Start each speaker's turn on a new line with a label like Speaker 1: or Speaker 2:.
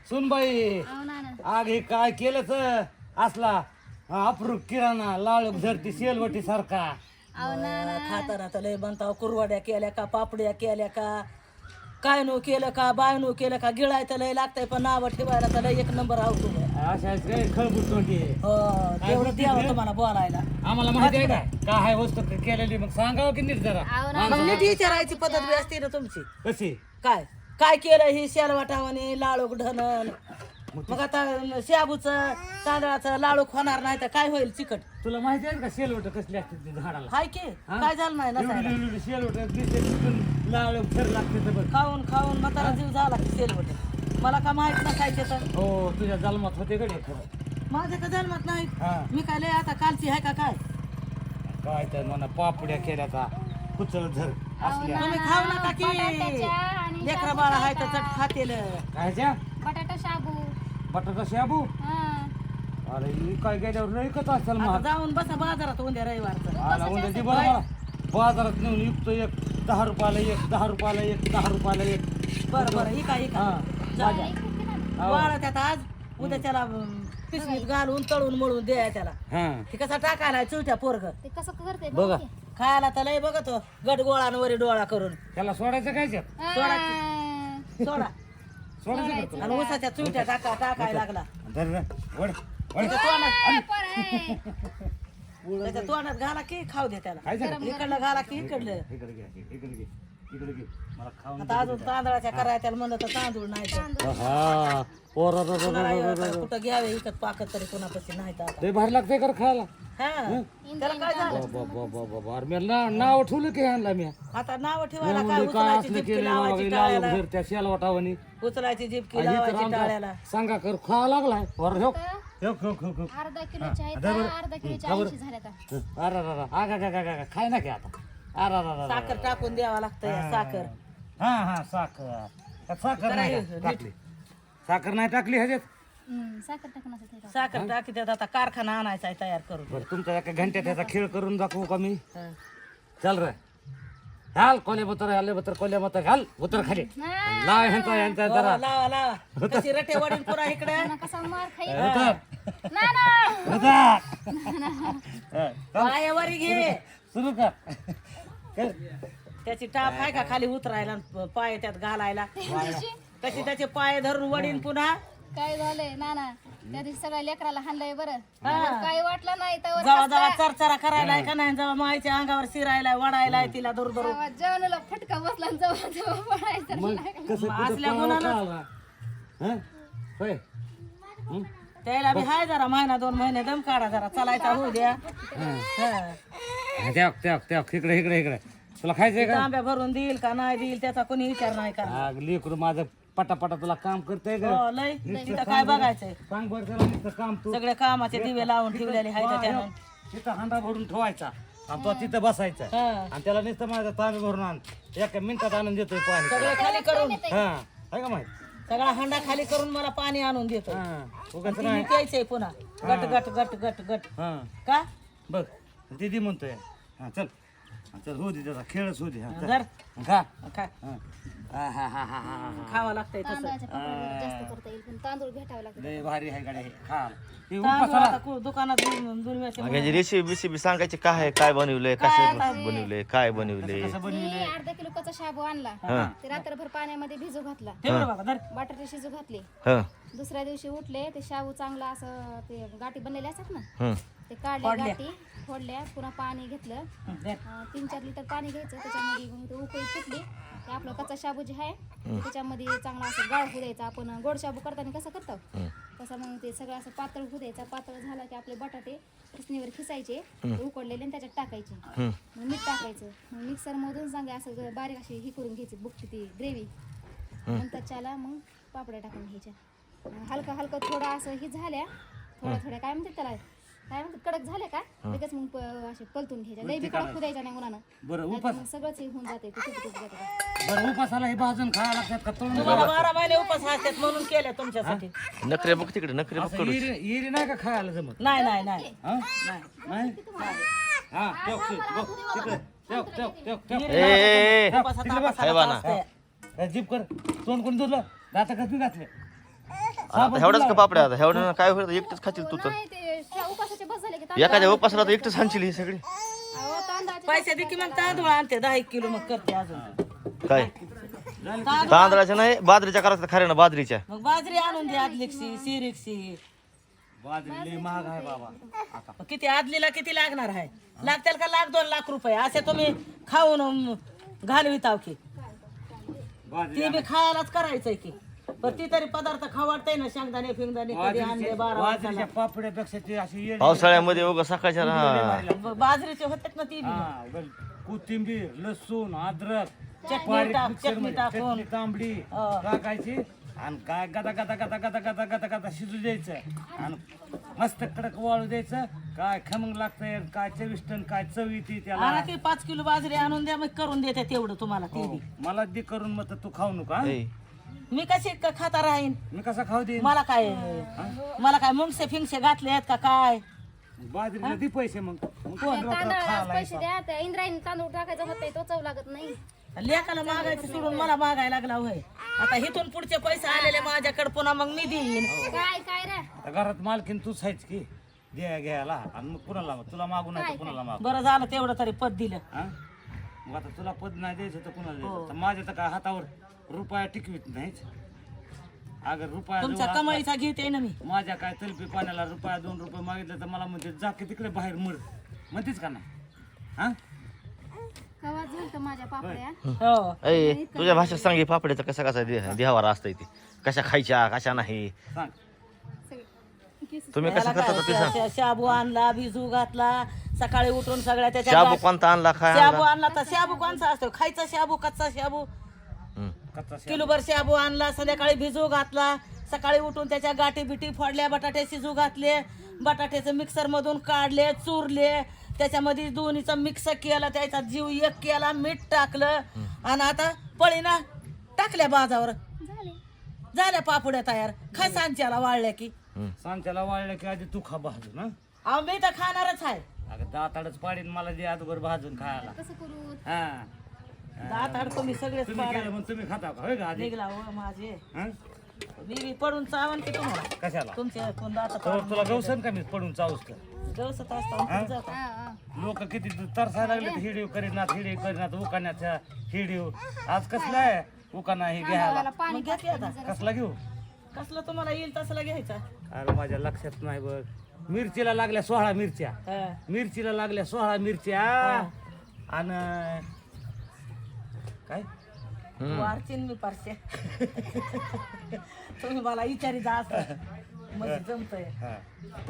Speaker 1: सुनबाई
Speaker 2: अहो नाना
Speaker 1: आग हे काय केलंच असला अप्रूप किराणा लाळूक धरती शेलवटी सारखा.
Speaker 2: अहो नाना
Speaker 3: खाताना तर लय बनताव कुरवड्या केल्या का पापड्या केल्या का काय नो केलं का बाय नो केलं का गिळाय तर लय लागतंय पण नावं ठेवायला तर लय एक नंबर आवतो
Speaker 1: अशा काय खळबुट तोंडी
Speaker 3: तेवढं द्यावं तुम्हाला बोलायला.
Speaker 1: आम्हाला माहिती आहे का काय आहे वस्तू केलेली मग सांगावं की नीट जरा.
Speaker 2: अहो नाना
Speaker 3: मग नीट विचारायची पद्धत बी असते ना तुमची.
Speaker 1: कशी
Speaker 3: काय काय केलं ही शेलवाटावाने लाळूक ढनन मग आता शाबूचं तांदळाचं लाळूक होणार नाही तर काय होईल चिकट.
Speaker 1: तुला माहिती आहे का शेलवट कसली असते ती झाडाला.
Speaker 3: हाय की काय झालं नाही ना
Speaker 1: एवढी शेलवट दिसते तिथून लाळूक थर लागते तर बघ.
Speaker 3: खाऊन खाऊन म्हातारा जीव झाला की शेलवट मला का माहित नसायचे तर
Speaker 1: हो तुझ्या जन्मात होते कडे खरं.
Speaker 3: माझ्या का जन्मात नाही
Speaker 1: हा
Speaker 3: मी काय लय आता कालची आहे का काय
Speaker 1: काय तर म्हणा पापड्या केल्या का कुचल धर असल्या
Speaker 3: तुम्ही खाऊ नका की
Speaker 2: बटाट्याच्या आणि
Speaker 3: लेकरा बाळा हाय तर चट खातेल.
Speaker 1: कायच्या
Speaker 2: बटाटा शाबू
Speaker 1: बटाटा शाबू.
Speaker 2: हा
Speaker 1: अरे ही काय गेल्यावर लय कत असेल
Speaker 3: आता
Speaker 1: महाग.
Speaker 3: जाऊन बसा बाजारात उद्या रविवारचं.
Speaker 1: आला उद्या दे बरं मला बाजारात नेऊन विकतो एक 10 रुपयाला एक 10 रुपयाला एक 10 रुपयाला एक.
Speaker 3: बरं बरं ही काय
Speaker 1: हा
Speaker 2: हो.
Speaker 3: वाळा त्यात आज उद्या त्याला पिशवीत घालून तळून मळून द्या त्याला.
Speaker 1: हा
Speaker 3: ती कसा टाकायला चुलट्या पोरग
Speaker 2: ते कसं करते
Speaker 1: बघा
Speaker 3: खायला तर लय बघतो गट गोळांवरी डोळा करून
Speaker 1: त्याला सोडायचं काय त्यात?
Speaker 3: सोडा
Speaker 1: सोडायचं का तुला?
Speaker 3: आणि उसाच्या चुलट्या टाकायला लागला
Speaker 1: धर रे, वळ, वळ.
Speaker 3: त्याच्या तोंडात घाला की खाऊ दे त्याला.
Speaker 1: काय झालं?
Speaker 3: इकडलं घाला की इकडलं.
Speaker 1: इकडे घे इकडे घे इकडे घे मला खाऊन
Speaker 3: आता अजून तांदळाच्या करायला त्याला म्हणलं तर तांदूळ नाही तर.
Speaker 1: हा पोरा
Speaker 3: कुणाला कुठं घ्यावे इकत पाकत तरी कोणापाशी नाही तर आता.
Speaker 1: लय भारी लागतंय कर खायला.
Speaker 3: हा त्याला काय झालं
Speaker 1: बाबा अरे मी नाव ठेवलं की आणला मी.
Speaker 3: आता नाव ठेवायला काय
Speaker 1: म्हणलं काय
Speaker 3: उचलायची
Speaker 1: असलं
Speaker 3: जिपकी
Speaker 1: केलं
Speaker 3: लावायची
Speaker 1: लावलं
Speaker 3: टाळ्याला
Speaker 1: धर त्या शेलवाटावणी.
Speaker 3: उचलायची जिपकी लावायची टाळ्याला.
Speaker 1: सांगा कर खावा लागलाय वर हो हो हो हो हो.
Speaker 2: अर्धा किलोच्या आहेत अर्धा किलोच्या 80 झाल्या आता.
Speaker 1: अरे अरे आगा खाय ना की आता. अरे अरे
Speaker 3: साखर टाकून द्यावा लागतं या साखर.
Speaker 1: हा हा साखर त्यात साखर नाही टाकली. साखर नाही टाकली ह्याच्यात.
Speaker 2: साखर टाकून असं ते
Speaker 3: साखर टाकी त्यात आता कारखाना आणायचा आहे तयार करून.
Speaker 1: बरं तुमच्या एका घंट्यात त्याचा खेळ करून दाखवू का मी.
Speaker 3: हा.
Speaker 1: चल रे घाल कोले बतर आले बतर कोले बतर घाल उतर खाली लाव यांचा जरा
Speaker 3: लावा लावा कशी रटे वडील पुरा इकडे
Speaker 2: कसा मार खाई
Speaker 1: उतर
Speaker 2: नाना
Speaker 1: उतर
Speaker 3: पायावरी घे.
Speaker 1: सुरू कर
Speaker 3: त्याची टाप आहे का खाली उतरायला आणि पाय त्यात घालायला. कशी त्याचे पाय धरून वडील पुन्हा
Speaker 2: काय झालंय नाना त्या दिवशी सगळ्या लेकराला हाणलंय बरं काही वाटलं नाही तर
Speaker 3: जेव्हा जेव्हा चरचरा करायला का नाही जेव्हा माईच्या अंगावर शिरायला वडायला तिला धरू धरू
Speaker 2: जेवणाला फटका बसला आणि जवळ जवळ पडायचं
Speaker 1: मग कसं
Speaker 3: असल्या गुणानं
Speaker 1: होय
Speaker 3: त्याला बी हाय जरा महिना 2 महिने दम काढा जरा चालायचा होऊ द्या. हा.
Speaker 1: इकडे इकडे इकडे तुला खायचंय का.
Speaker 3: तांब्या भरून देईल का नाही देईल त्याचा कोणी विचार नाही का.
Speaker 1: लेकरू माझं पटापटा तुला काम करतंय का.
Speaker 3: हो, लय तिथं काय बघायचंय.
Speaker 1: सांग बरं त्याला नुसतं काम तू
Speaker 3: सगळे कामाचे दिवे लावून ठेवलेले आहे त्याच्यानं.
Speaker 1: तिथं हांडा भरून ठेवायचा आणि तो तिथं बसायचा
Speaker 3: हा.
Speaker 1: आणि त्याला नुसतं माझा तांबे भरून आण 1 मिनिटात आणून देतोय पाणी.
Speaker 3: सगळं खाली करून
Speaker 1: हा आहे का माहित.
Speaker 3: सगळा हंडा खाली करून मला पाणी आणून देतो.
Speaker 1: हा उगाच
Speaker 3: ती
Speaker 1: नाही.
Speaker 3: प्यायचंय पुन्हा गट गट गट गट गट
Speaker 1: हा
Speaker 3: का
Speaker 1: बघ दीदी म्हणतोय. हा चल चल होऊ दे त्याचा खेळच होऊ दे. हा, चल.
Speaker 3: जर
Speaker 1: खा
Speaker 3: खा
Speaker 1: हा हा हा हा हा
Speaker 3: खावं लागतंय तसं.
Speaker 2: तांदळाच्या पापड जास्त करता येईल पण तांदूळ भेटावं लागतं
Speaker 1: लय भारी आहे गाड्या हे खा ते
Speaker 3: तांदूळ
Speaker 1: उपासाला
Speaker 3: आता दुकानात दुनियाचे
Speaker 4: याची रेसिपी सांगायची काय आहे काय बनवलंय कसं बनवलंय काय बनवलंय.
Speaker 2: मी अर्धा किलो कच्चा शाबू आणला ते रात्रभर पाण्यामध्ये भिजू घातला
Speaker 3: ठेव बाबा धर.
Speaker 2: बटाटे शिजू घातले
Speaker 4: हं
Speaker 2: दुसऱ्या दिवशी उठले ते शाबू चांगला असं ते गाठी बनलेले असतात ना
Speaker 4: हं
Speaker 2: ते काढले गाठी फोडल्या पुन्हा पाणी घेतलं
Speaker 3: धर.
Speaker 2: 3-4 लिटर पाणी घ्यायचं त्याच्यामध्ये मग ते उकळी पिटली ते आपलं कच्चा शाबू जे आहे त्याच्यामध्ये चांगला असं गाळ होऊ द्यायचा. आपण गोड शाबू करताना कसं करतो तसं मग ते सगळं असं पातळ होऊ द्यायचा. पातळ झाला की आपले बटाटे किसणीवर खिसायचे ते उकडलेले आणि त्याच्यात टाकायचे मग मीठ टाकायचं मग मिक्सर मधून चांगले असं बारीक अशी ही करून घ्यायची बुकची ती ग्रेव्ही नंतर त्याला मग पापड्या टाकून घ्यायच्या हलका हलका थोडा असं ही झाल्या थोड्या काय म्हणतात त्याला काय म्हणतात कडक झाल्या का लगेच मग असे पलटून घ्यायच्या लई बी कडक खुदायच्या नाही उन्हानं
Speaker 1: बरं
Speaker 2: नाहीतर मग सगळंच हे होऊन जाते ते तुटून जाते.
Speaker 1: बरं उपासाला हे भाजून खायला लागतात का तळून.
Speaker 3: तुम्हाला 12 महिने उपास असतात म्हणून केल्या तुमच्यासाठी.
Speaker 4: नखरे बघ तिकडे नखरे बघ कडू.
Speaker 1: येरी नाही का खायला जमत.
Speaker 3: नाही नाही नाही
Speaker 1: हा नाही हा ठेव ठेव बघ तिकडे ठेव ठेव ठेव ठेव
Speaker 4: ए
Speaker 3: उपासात
Speaker 4: हाय बाना.
Speaker 3: असतंय.
Speaker 1: जीप कर तोंड कोण धुतलं दाता कसं घातले
Speaker 4: आता एवढ्याच का पापड्या आता एवढ्या काय होईल एकटंच खातील तू तर
Speaker 2: नाही ते उपासाचे बस झाले की
Speaker 4: एखाद्या उपासाला तर एकटंच हाणशील ही सगळी
Speaker 2: अहो, तांदळाचे
Speaker 3: पैसे दे की मग तांदूळ आणते 10 किलो मग करते अजून
Speaker 4: काय तांदळाच्या नाही बाजरीच्या करायचं खऱ्या ना बाजरीच्या
Speaker 3: मग बाजरी आणून दे आदलीची सिरिकची
Speaker 1: बाजरी लय महाग आहे बाबा.
Speaker 3: किती आदलीला किती लागणार आहे लागतील का 1,00,000-2 लाख रुपये असे तुम्ही खाऊन घालविताव की ती बी खायलाच करायचंय की पण ती तरी पदार्थ खावडताय ना शेंगदाणे फिंगदाणे कधी आणले 12
Speaker 1: बाजरीच्या पापड्यापेक्षा ते अशी येडी
Speaker 4: पावसाळ्यामध्ये उगा सकाळच्या हा.
Speaker 3: बाजरीचे होतात ना ती बी
Speaker 1: हा, कोथिंबीर लसूण अद्रक
Speaker 3: चटणी
Speaker 1: बारीक
Speaker 3: टाक,
Speaker 1: मिक्सर
Speaker 3: चटणी
Speaker 1: मध्ये
Speaker 3: टाकून.
Speaker 1: चटणी तांबडी
Speaker 3: हा.
Speaker 1: टाकायची आणि काय गदा गदा गदा गदा गदा गदा गदा शिजू द्यायचं आणि मस्त कडक वाळू द्यायचं काय खमंग लागतंय काय चविष्ट आणि काय चव येते त्याला
Speaker 3: आणा की 5 किलो बाजरी आणून द्या मग करून देते तेवढं तुम्हाला ते
Speaker 1: हो,
Speaker 3: बी
Speaker 1: मला दे करून मग तू खाऊ नका
Speaker 4: ए,
Speaker 3: मी कशी खाता राहीन
Speaker 1: मी कसा खाऊ दे
Speaker 3: मला काय मुंगसे फिंगसे घातले आहेत का काय
Speaker 1: बाजरीला दे पैसे मग कोण
Speaker 2: तांदळाला पैसे द्या त्या इंद्रायणी तांदूळ टाकायचा होता तो चव लागत नाही
Speaker 3: लेकाला मागायचं सोडून मला मागायला लागला होय आता इथून पुढचे पैसे आलेले माझ्याकडे पुन्हा मग मी देईन
Speaker 2: काय काय रे
Speaker 1: आता घरात मालकीन तूच आहेच की घ्यायला आणि मग कुणाला तुला मागू नाही तर कुणाला मागू
Speaker 3: बरं झालं तेवढं तरी पद दिलं
Speaker 1: हा? मग आता तुला पद नाही द्यायचं तर कुणाला द्यायचं तर माझ्या तर काय हातावर रुपया टिकवीत नाहीच अगर रुपया
Speaker 3: तुमच्या कमाईचा घेते ना मी
Speaker 1: माझ्या काय तलपी पाण्याला रुपया 2 रुपये मागितलं तर मला म्हणते जा की तिकडे बाहेर मर म्हणतेच का नाही हा
Speaker 2: कवा झालं माझ्या पापड्या
Speaker 3: हो
Speaker 4: ए, तुझ्या भाषेत सांग हे पापड्याचं कसा कसा देहावर असतंय ते कशा खायच्या कशा नाही
Speaker 1: सांग
Speaker 4: तुम्ही कसं करता ते सांग
Speaker 3: शाबू आणला भिजू घातला सकाळी उठून सगळ्या त्याच्या
Speaker 4: शाबू कोणता आणला काय
Speaker 3: शाबू
Speaker 4: आणला
Speaker 3: आणला तर शाबू कोणचा असतो खायचा शाबू कच्चा शाबू
Speaker 4: हम्म.
Speaker 1: कच्चा
Speaker 3: किलोभर शाबू आणला संध्याकाळी भिजू घातला सकाळी उठून त्याच्या गाठी बिटी फोडल्या बटाटे शिजू घातले बटाट्याचं मिक्सर मधून काढले चुरले त्याच्यामध्ये दोन्हीचं मिक्स केलं त्याचा जीव एक केला मीठ टाकलं आणि आता पळीना टाकल्या बाजावर
Speaker 2: झाले
Speaker 3: झाल्या पापुड्या तयार खा सांच्याला वाळल्या की
Speaker 1: सांच्याला वाळलं की आधी तू खा भाजून हा
Speaker 3: अहो मी तर खाणारच आहे
Speaker 1: अगं दाताडच पाडीन मला दे अगोदर भाजून खायला
Speaker 2: कसं करू
Speaker 1: हा
Speaker 3: दात अडको मी सगळेच
Speaker 1: तुम्ही केलं मग तुम्ही खाता का होय का आधी
Speaker 3: निघला हो माझे
Speaker 1: हा?
Speaker 3: मी बी पडून चावन की तुम्हाला
Speaker 1: कशाला
Speaker 3: तुमच्या कोण दात
Speaker 1: तर तुला गवसन का मी पडून चावूस का
Speaker 3: गवसत असता
Speaker 2: हा हा
Speaker 1: लोक किती तरसायला लागले हिडीव करीनात उकाण्याच्या हिडीव आज कसला आहे उकाना हे घ्यायला
Speaker 2: मला पाणी
Speaker 3: घ्या की आता
Speaker 1: कसला घेऊ
Speaker 3: कसलं तुम्हाला येईल तसला घ्यायचा
Speaker 1: अरे माझ्या लक्षात नाही बघ मिरचीला लागल्या 16 मिरच्या
Speaker 3: हा.
Speaker 1: मिरचीला लागल्या 16 मिरच्या आणि काय
Speaker 3: वारचीन मी पारशे तुम्ही मला विचारी जा असं म्हणजे जमतंय
Speaker 1: हा